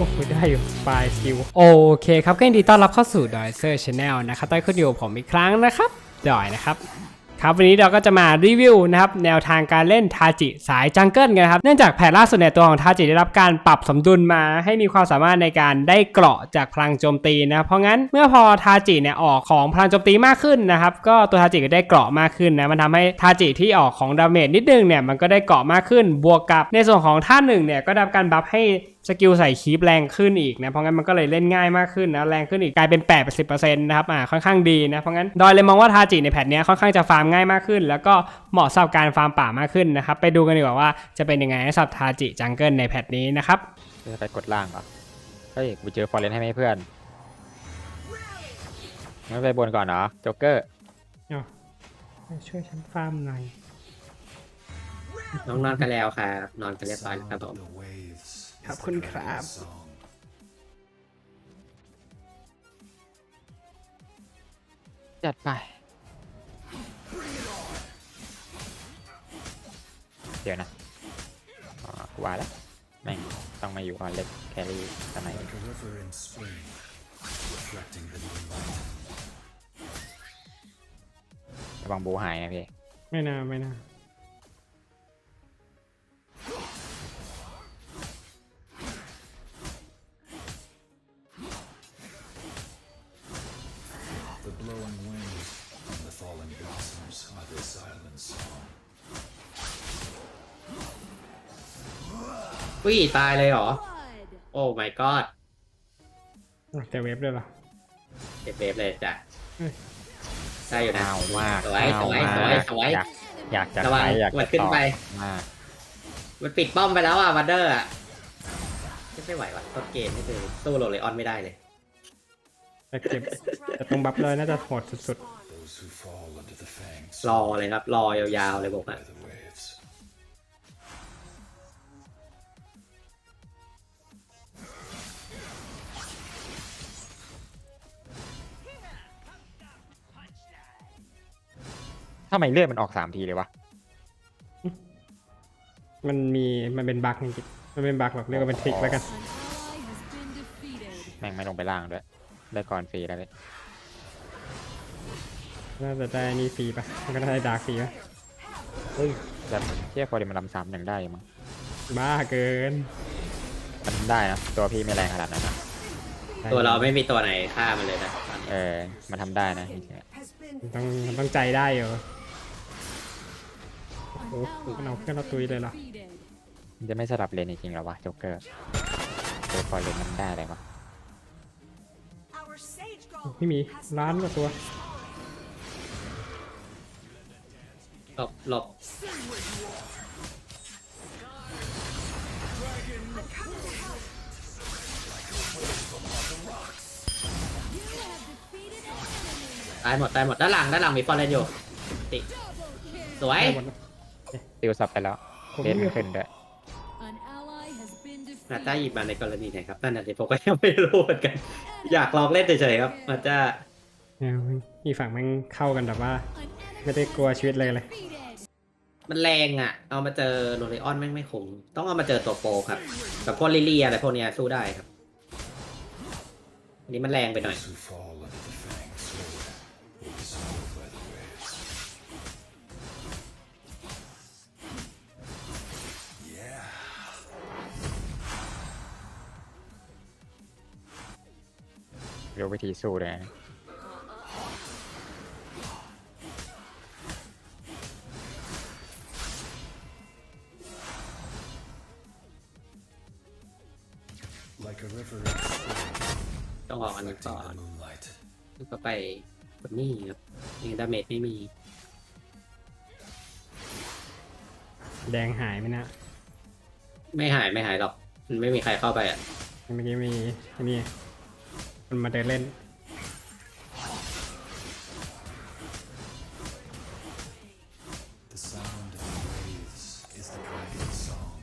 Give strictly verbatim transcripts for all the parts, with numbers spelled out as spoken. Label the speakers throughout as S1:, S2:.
S1: อ้โหได้อยู่ปลายสกิลโอเคครับก็ยินดีต้อนรับเข้าสู่ดอยเซอร์ชาแนลนะครับใต้คุณอยู่ผมอีกครั้งนะครับดอยนะครับครับวันนี้เราก็จะมารีวิวนะครับแนวทางการเล่นทาจิสายจังเกิลกันครับเนื่องจากแพทล่าสุดในตัวของทาจิได้รับการปรับสมดุลมาให้มีความสามารถในการได้เกราะจากพลังโจมตีนะเพราะงั้นเมื่อพอทาจิเนี่ยออกของพลังโจมตีมากขึ้นนะครับก็ตัวทาจิก็ได้เกราะมากขึ้นนะมันทำให้ทาจิที่ออกของดาเมจนิดนึงเนี่ยมันก็ได้เกราะมากขึ้นบวกกับในส่วนของท่าหนึ่งเนี่ยก็ได้รับการบัฟให้สกิลใส่คีปแรงขึ้นอีกนะเพราะงั้นมันก็เลยเล่นง่ายมากขึ้นนะแรงขึ้นอีกกลายเป็น แปดสิบเปอร์เซ็นต์ นะครับอ่าค่อนข้างดีนะเพราะงั้นดอยเลยมองว่าทาจิในแพทเนี้ยค่อนข้างจะฟาร์มง่ายมากขึ้นแล้วก็เหมาะสำหรับการฟาร์มป่ามากขึ้นนะครับไปดูกันดีกว่าว่าจะเป็นยังไงสำหรับทาจิจังเกิลในแพทนี้นะครับ
S2: จะไปกดล่างเหรอเฮ้ยกูเจอฟอร์เรนให้ไหมเพื่อนไม่ไปบนก่อนเหรอโจ๊กเกอร์
S1: ช่วยฉันฟาร์มหน่อย
S3: น้องนอนกันแล้วครับนอนกันเรียบร้อยแล้วครับผม
S1: ขอบคุณครับ
S2: จัดไปเดี๋ยวนะอ๋อกูว่าแล้วแม่งต้องมาอยู่ก่อนเล็กแครี่ทำไมระวังบูหายนะพี่
S1: ไม่น่าไม่น่า
S4: The blowing wind and the falling blossoms are the silent song.
S3: วิ่งตายเลยเหรอ โอ้ my god
S1: แต่เว็บด้วยเหรอ
S3: เจ็บเวฟเลยจ้ะ
S1: เฮ้ย
S3: ได้อยู่นะ
S2: อ้าวมาก
S3: สวยสวยสวยสวย
S2: อยากอยากจะ
S3: ระวัง
S2: ใช้อยาก
S3: มัน
S2: จะ
S3: ขึ้น
S2: ต่อ
S3: ไป
S2: มาก
S3: มันปิดป้อมไปแล้วอ่ะวันเดอร์อ่ะไม่ไหวว่ะต้นเกมนี่คือสู้โรเลออนไม่ได้เลย
S1: แต่เก็บแต่ตรงบัฟเลยน่าจะโหดสุด
S4: Those who fall under the fangs
S3: รอเลยครับ รอยาวๆเลยผมอ่ะ
S4: by the waves.
S2: ทำไมเลือดมันออกสามทีเลยวะ
S1: ๆ มันมีมันเป็นบั๊กจริงๆมันเป็นบั๊กแบบเรียกว่าเป็นทริกแล้วกัน
S2: แม่งไม่ลงไปล่างด้วยได้ก่อนฟรีแล้วเลย
S1: น่าจะได้นี่ฟรีปะมันก็น่าได้ดาร์กฟรีปะ
S2: เฮ้ยแบบเที่ยฟอร์เรนมันลำสามยังได้อยู่มั้ง
S1: บ้าเกิน
S2: มันได้นะตัวพี่ไม่แรงขนาดนั้นนะ
S3: ตัวเราไม่มีตัวไหนฆ่ามันเลยนะตอนนี้
S2: เออมันทำได้นะจริง
S1: มันต้องมันต้องใจได้อยู่โอ้โหมันเอาเพื่อนเราตุยเลยเหรอ
S2: ๆมันจะไม่สลับเลนจริงๆหรอวะโจ๊กเกอร์ตัวฟอร์เรนมันได้อะไรวะ
S1: ไม่มีล้านกว่าตัว
S3: หลบหลบตายหมดตายหมดด้านหลังด้านหลังมีฟอร์เรนอยู่ติสวย
S1: ได้หมดนะ
S2: ติวสับไปแล้ว
S1: ผม
S2: เลนไม่ขึ้นด้วย
S3: นาจ้าหยิบมาในกรณีไหนครับนั่นน่ะสิผมก็ยังไม่รู้เหมือนกัน อยากลองเล่นเฉยๆครับนาจ้า
S1: เนี่ยอีกฝั่งมันเข้ากันแบบว่า ไม่ได้กลัวชีวิตเลยเลย
S3: มันแรงอ่ะ เอามาเจอโรเลออนแม่งไม่คุ้มต้องเอามาเจอตัวโปรครับแบบพวกลิเลียอะไรพวกเนี้ยสู้ได้ครับอันนี้มันแรงไปหน่อย
S4: Those who fall under the fangs will be swallowed by the waves. Yeah.
S2: รู้วิธีสู้เลยนะ
S4: Like a river in spring,
S3: ต้องออกอันนี้ก่อน
S4: reflecting the moonlight.
S3: แล้วก็ไปกดนี่ครับนี่ดาเมจไม่มี
S1: แดงหายไหมนะ
S3: ไม่หายไม่หายหรอก มันไม่มีใครเข้าไปอ่ะ
S1: เมื่อกี้มีอันนี้มันมาเดินเล่น
S4: The sound of the waves is the dragon's song.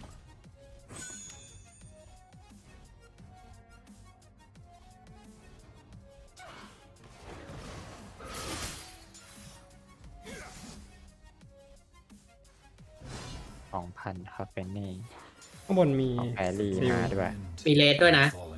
S2: สองพันครับเป็นนี่
S1: ข้างบนมี
S2: ของแพรรี่
S1: ซิล
S2: มาด้วย
S4: Wind
S3: มีเลสด้วยนะ
S4: falling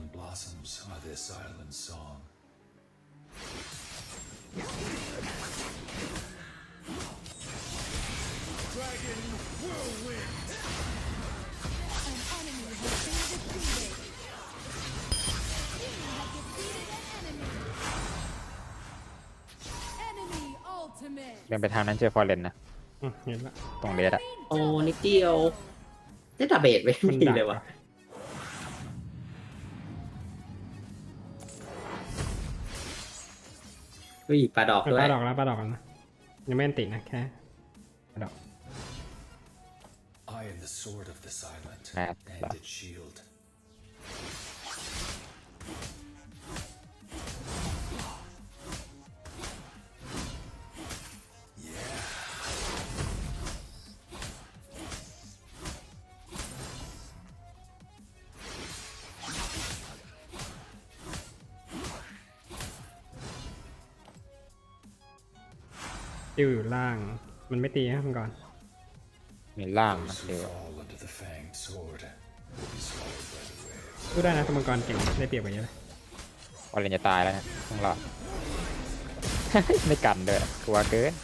S2: เดินไปทางนั้นเจอฟอร์เรนนะ
S1: อืมเห็นละ
S2: ตรงเลสอะ
S3: โอ้นิดเดียวได้ตาเบสไม่
S1: มัน
S3: มี
S1: ดัก
S3: เลยว่ะ
S1: ว่ะ
S3: อุ้ยปลาดอก
S1: เออ
S3: ด้ว
S1: ป
S3: ย
S1: ลาดอกแล้วปลาดอกแล้วนะยังไม่อันติดนะแค่ปลาดอก
S4: I am the sword of the silent,
S2: Mad
S4: and
S2: stuff.
S4: its shield.
S1: ติวอยู่ล่างมันไม่ตีนะมันก่อน
S2: มีล่างนะ
S4: Those
S2: เดี๋ยว
S4: who fall under the fanged sword will be swallowed by the waves.
S1: พูดได้นะตัวมังกรเก่งได้เปรียบกว่าเยอะเลย
S2: ฟอร์เรนจะตายแล้วนะต้องรอด ไม่กันด้วยกลัวเกิน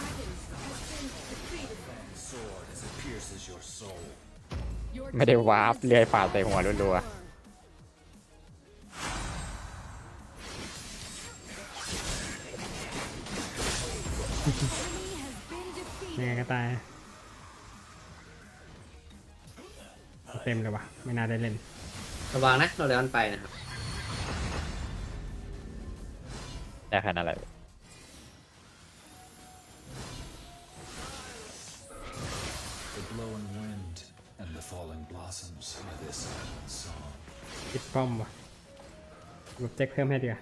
S4: Sword as it pierces your soul.
S2: ไม่ได้วาร์ปเลื่อยฝ่าใส่หัวรัว
S1: ยังไงก็ตายเต็มเลยว่ะไม่น่าได้เล่น
S3: ระวังนะโรเลออนไปนะครับ
S2: ๆได้ขนาดอะไร
S4: The blowing wind and the falling blossoms are this silent song.
S1: ติดป้อมว่ะหลบแจ็คเพิ่มให้ดีกว่า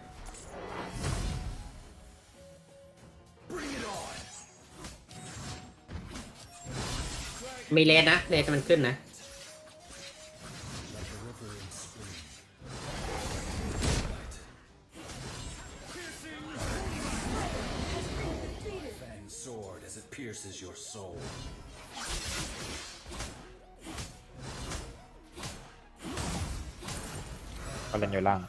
S3: มีเลนนะเลนมันขึ้นนะ
S4: Like a river in spring. Fanged sword as it pierces your soul.
S2: ฟอร์เรนอยู่ล่าง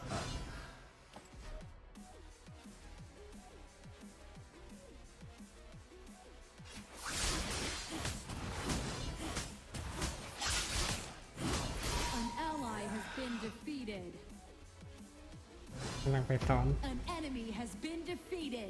S5: An ally has been defeated.
S1: กำลังไปซ้อน
S5: An enemy has been defeated.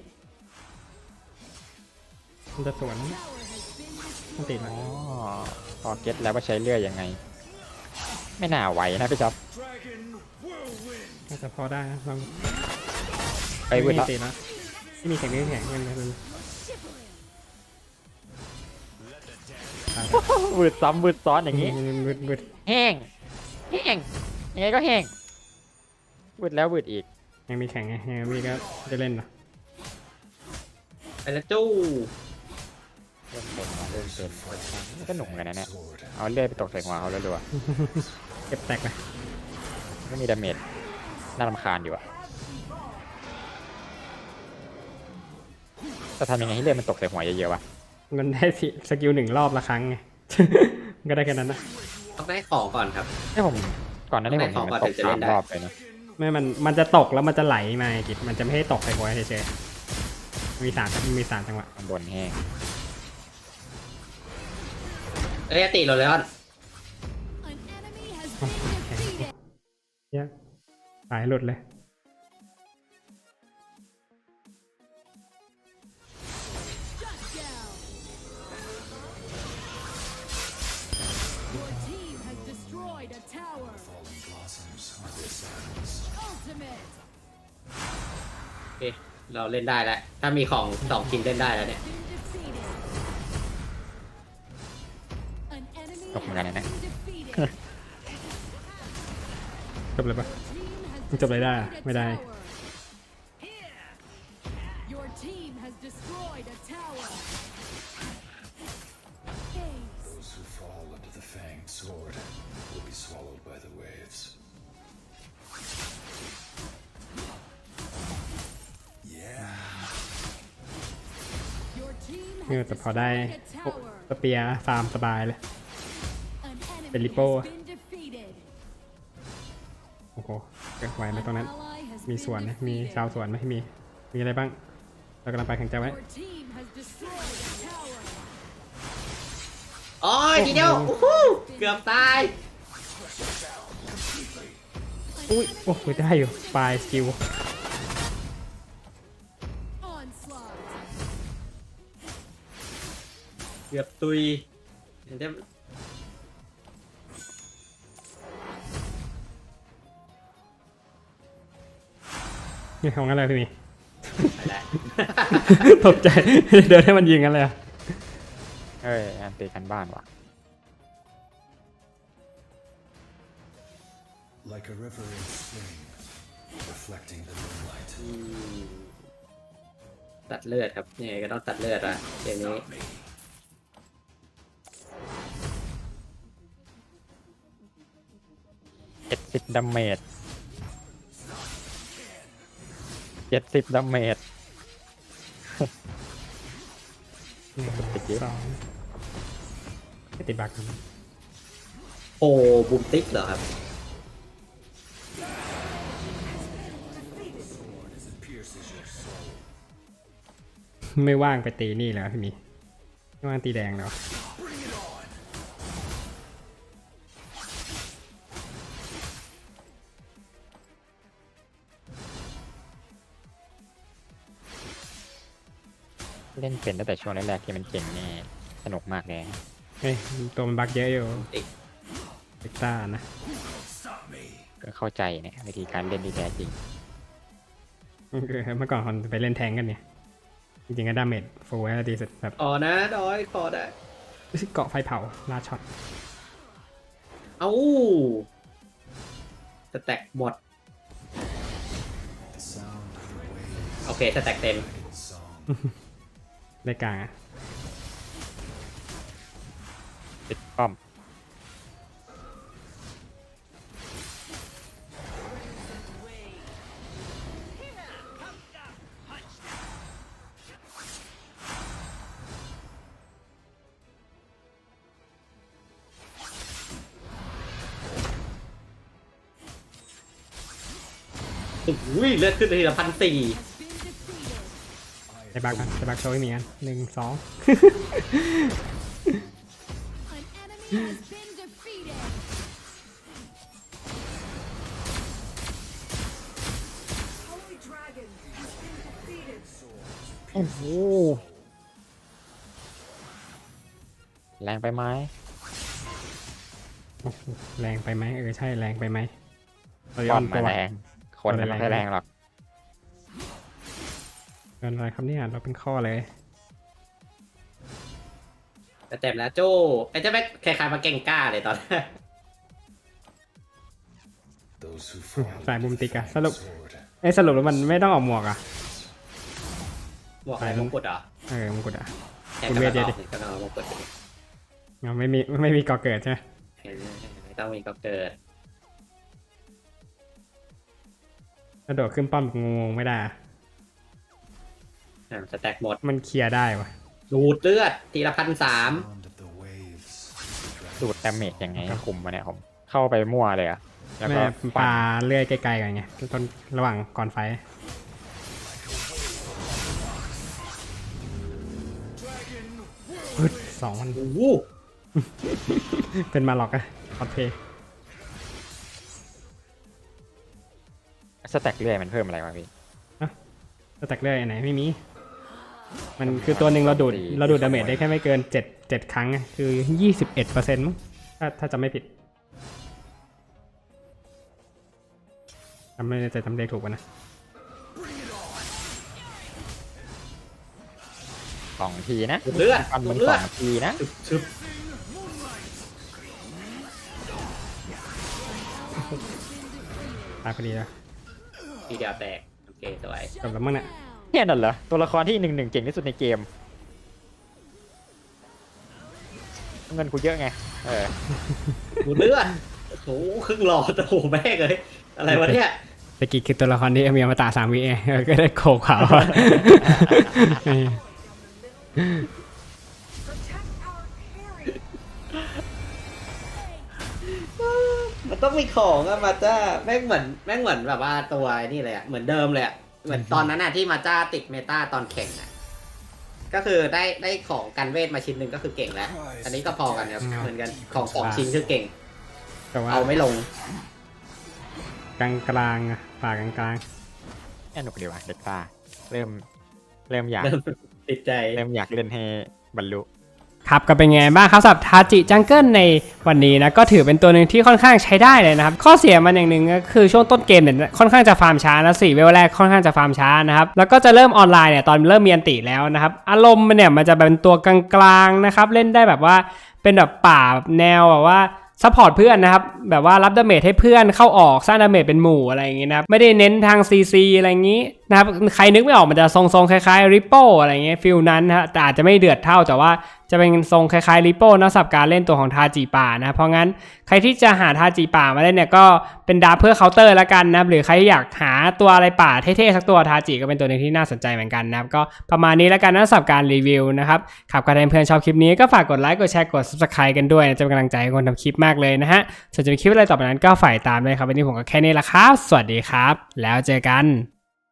S1: มันจะสวน
S5: Tower has been
S1: มันติด
S5: destroyed.
S1: แล้ว
S2: อ๋อพอเก็ตแล้วว่าใช้เลื่อยยังไง ไม่น่าไหวนะพี่จ๊อบ
S4: Dragon whirlwind.
S1: น่าจะพอได้นะลอง
S2: ไปวืด
S1: ไม่
S2: แล้ว
S1: มีติดแล้วที่มีแข่งนี้แข่งมันมัน
S2: วืดซ้ำวืดซ้อนอย่างนี้
S1: มันมืดมืด
S2: แห้ง แห้ง ยังไงก็แห้งวืดแล้ววืดอีก
S1: ยังมีแข่งไงยังมีก็จะเล่นเหรอ
S3: ไปแล้วจู้
S2: เริ่มเป็นว่ะเริ่มเป็นก็หนุ่มกันนะเนี่ย
S4: Sword.
S2: เอาเลื่อยไปตกใส่หัวเขารัว
S1: เก็บแตกเลย
S2: ๆไม่มีดาเมจน่ารำคาญอยู่อะจะทำยังไงให้เลื่อยมันตกใส่หัวเยอะๆวะ
S1: มันได้สิสกิลหนึ่งรอบละครั้งไง มันก็ได้แค่นั้นนะ
S3: ต้องได้ของก่อนครับ
S2: ให้ผมก่อนหน้านี้ผมเห็นมันตกสามรอบเลยนะ
S1: ไม่มันมันจะตกแล้วมันจะไหลมาไงกิจมันจะไม่ให้ตกใส่หัวเฉยๆมีสามมีสามจังหวะ
S2: ข้างบนแห้ง
S3: เอ้ยติโรเลออน
S5: An enemy has been defeated.
S1: เหี้ยสายหลุดเลย
S5: Shut down. Your team has destroyed a tower.
S4: Falling blossoms are this silent song.
S5: Ultimate.
S3: โอเคเราเล่นได้แล้ว ถ้ามีของสองชิ้นเล่นได้แล้วเนี่ย
S5: Been defeated. An enemy
S2: Không ra này nè.
S5: has been defeated.
S1: จบเลยปะ
S5: Team has
S1: มันจบเลยได้อะ
S5: destroyed a
S1: ไม่ได้
S5: tower. Your team has destroyed a tower. Ace.
S4: Those who fall under the fanged sword will be swallowed by the waves. Yeah.
S5: Your team
S1: เออ
S5: has
S1: แต่พอได้
S5: destroyed a
S1: โอ้
S5: tower.
S1: สเปียร์ฟาร์มสบายเลย
S5: An enemy
S1: Filippo.
S5: has been defeated.
S1: โอ้โหเกิดไหวไหม
S5: An
S1: ตรงนั้น
S5: ally has
S1: มี
S5: been
S1: สวนไหมมี
S5: defeated.
S1: ชาวสวนไหมมี มีอะไรบ้าง เรากำลังไปแข่งใจไว้
S5: Your team has destroyed a tower.
S3: โอ้ยทีเดียวโอ้โหเกือบตาย
S1: อุ้ย โอ้โหได้อยู่ปลายสกิล
S5: Onslaught.
S3: กือบตุยเดี๋ยวจะ
S1: นี่ของอะไรพี่หมี
S3: ไปแล้ว
S1: ตกใจ เดินให้มันยิงกันเลยอะ
S2: เอ้ยอันตีกันบ้านว่ะ
S4: Like a river in spring, reflecting the moonlight.
S3: อืมตัดเลือดครับยังไงก็ต้องตัดเลือดอะเกมนี้
S2: เจ็ดสิบดาเมจเจ็ดสิบดาเมจ
S1: หนึ่งสองไม่ติดบักครับ
S3: โอ้บูมติ๊กเหรอครับ
S1: ไม่ว่างไปตีนี่แล้วพี่หมีไม่ว่างตีแดงแล้ว
S2: เล่นเป็นตั้งแต่ช่วงแรกๆที่มันเก่งนี่สนุกมากเลย
S1: เฮ้ยตัวมันบักเยอะอยู่
S3: ติ๊ก
S1: เอ็กต้านะ
S2: ก็เข้าใจเนี่ยวิธีการเล่นที่แท้จริง
S1: คือเมื่อก่อนคนไปเล่นแทงกันเนี่ย จริงๆก็ดาเมจฟูลให้ดีสุดแบบ
S3: อ๋อนะดอยขอได้
S1: เกาะไฟเผาลาช็อต
S3: เอ้าสแต็กหมด
S4: The sound of the waves,
S3: โอเคสแต็กเต็ม
S4: dragon song.
S1: ได้กลางอะ
S2: ติดป้อม
S3: อุ้ยเลือดขึ้นทีละพันสี่
S5: Has been defeated.
S1: ได้บักกันได้บักโชว์ให้มีกันหนึ่งสอง
S5: An enemy has been defeated. Holy Dragon has been defeated.
S2: โอ้โหแรงไปไหม
S1: แรงไปไหมเออใช่แรงไปไหมเราย้
S2: ป้
S1: อ
S2: อม
S1: นตั
S2: มาว แรงคนมันไม่ค่อยแรงหรอก
S1: เกินอะไรครับเนี่ยเราเป็นข้อเลย
S3: แต่เต็มแล้วโจ้ไอ้เจ้าแม่คล้ายๆมาเก่งกล้าเลยตอนแรก
S4: Those who fall
S1: สายมุมติกอะสรุป
S4: sword.
S1: เอ้ยสรุปแล้วมันไม่ต้องออกหมวกอะ
S3: หมวกอะไรมงกุฎเหรอ
S1: เออมงกุฎอะ
S3: แค่
S1: คุณ
S3: ก
S1: เว
S3: ระ
S1: ทเดี๋ยว
S3: ด
S1: ดิ
S3: อกนี่ก็เอามงกุฎไปดิ
S1: เราไม่มีไม่มีก่อเกิดใช่ไหม
S3: ไม่ต้องมีก็เกิด
S1: กระโดดขึ้นป้อมงงๆไม่ได้อะ
S3: อ่าสแต็กหมด
S1: มันเคลียร์ได้วะ
S3: ดูดเลือดทีละพันสาม
S4: Sound of the waves, the
S2: ดูดดาเมจยังไงให้คุมมาเนี่ยผมเข้าไปมั่วเลยอะแล้ว
S1: แม่
S2: ก็
S1: ป
S2: ฟั
S1: ลาน เลื่อยไกลๆกันไงต้นระหว่างก่อนไฟปึ๊ดสองมัน
S3: โอ้โห
S1: เป็นมาหลอกอะคอสเพย์
S2: สแต็กเรื่อยมันเพิ่มอะไรวะพี่
S1: สแต็กเลื่อยอันไหนไม่มี มันคือตัวหนึ่งเราดูดเราดูดดาเมจได้แค่ไม่เกินเจ็ดเจ็ดครั้งอะคือยี่สิบเอ็ดเปอร์เซ็นต์มั้งถ้าถ้าจำไม่ผิดจำไม่ได้แต่จำเลขถูกป่ะนะ
S2: สองทีนะ
S3: ดูดเลือด
S2: ฟัน
S3: ดู
S2: มั
S3: ด
S2: น
S3: เลื
S2: ส
S3: อ
S2: อ
S3: ด
S2: งทีนะ
S3: ชึบชึบ
S1: ตายพอดีแล้ว
S3: ทีเดียวแตกโอเคสวย
S1: จบแล้วมั้งเนี่ย
S2: แค่นั้นเหรอตัวละครที่หนึ่งหนึ่งเก่งที่สุดในเกม เงินกูเยอะไงเออ
S3: ดูดเลือดโอ้โหครึ่งหลอดโอ้โหแม่งเลยอะไรวะเนี่ย
S1: ตะกี้คือตัวละครที่มีอมตะสามวิเองเออก็ได้โขกขาวอะเออ
S3: มันต้องมีของอะมาจ้าแม่งเหมือนแม่งเหมือนแบบว่าตัวนี่เลยอะเหมือนเดิมเลยอะเหมือนตอนนั้นอะที่มาจ้าติดเมตาตอนแข่งอะก็คือได้ได้ของกันเวทมาชิ้นหนึ่งก็คือเก่งแล้ว อันนี้ก็พอกันครับเหมือนกันของสองชิ้นคือเก่ง
S1: แต่ว่า
S3: เอาไม่ลง
S1: กลางกลางๆอะป่ากลางกลาง
S2: แค่หนุกดีว่ะเด็กตาเริ่มเริ่มอยาก
S3: เริ่มติดใจ
S2: เริ่มอยากเล่นให้บรรลุ
S1: ๆครับก็เป็นไงบ้างครับสำหรับทาจิจังเกิลในวันนี้นะก็ถือเป็นตัวหนึ่งที่ค่อนข้างใช้ได้เลยนะครับข้อเสียมันอย่างหนึ่งก็คือช่วงต้นเกมเนี่ยค่อนข้างจะฟาร์มช้านะสี่เวลแรกค่อนข้างจะฟาร์มช้านะครับแล้วก็จะเริ่มออนไลน์เนี่ยตอนเริ่มมีอันติแล้วนะครับอารมณ์มันเนี่ยมันจะเป็นตัวกลางๆนะครับเล่นได้แบบว่าเป็นแบบป่าแนวแบบว่าซัพพอร์ตเพื่อนนะครับแบบว่ารับดาเมจให้เพื่อนเข้าออกสร้างดาเมจเป็นหมู่อะไรอย่างงี้นะครับไม่ได้เน้นทาง ซี ซี อะไรอย่างงี้นะครับใครนึกไม่ออกมันจะทรงๆคล้ายๆ Ripple อะไรเงี้ยฟิลนั้นนะฮะแต่อาจจะไม่เดือดเท่าแต่ว่าจะเป็นทรงคล้ายๆ Ripple นะสำหรับการเล่นตัวของทาจิป่านะเพราะงั้นใครที่จะหาทาจิป่ามาเล่นเนี่ยก็เป็นดาร์ฟเพื่อเคาน์เตอร์ละกันนะหรือใครอยากหาตัวอะไรป่าเท่ๆสักตัวทาจิก็เป็นตัวหนึงที่น่าสนใจเหมือนกันนะครับก็ประมาณนี้ละกันนะสำหรับการรีวิวนะครับครับก็ถ้าเพื่อนชอบคลิปนี้ก็ฝากกดไลค์กดแชร์กด Subscribe กันด้วยนะจะเป็นกำลังใจให้คนทำคลิปมากเลยนะฮะส่วนจะมีคลิปอะไรต่อไปนั้นก็ฝ่ายตามเลยครับวันนี้ผมก็แค่นี้ละครับสวัสดีครับแล้วเจอกัน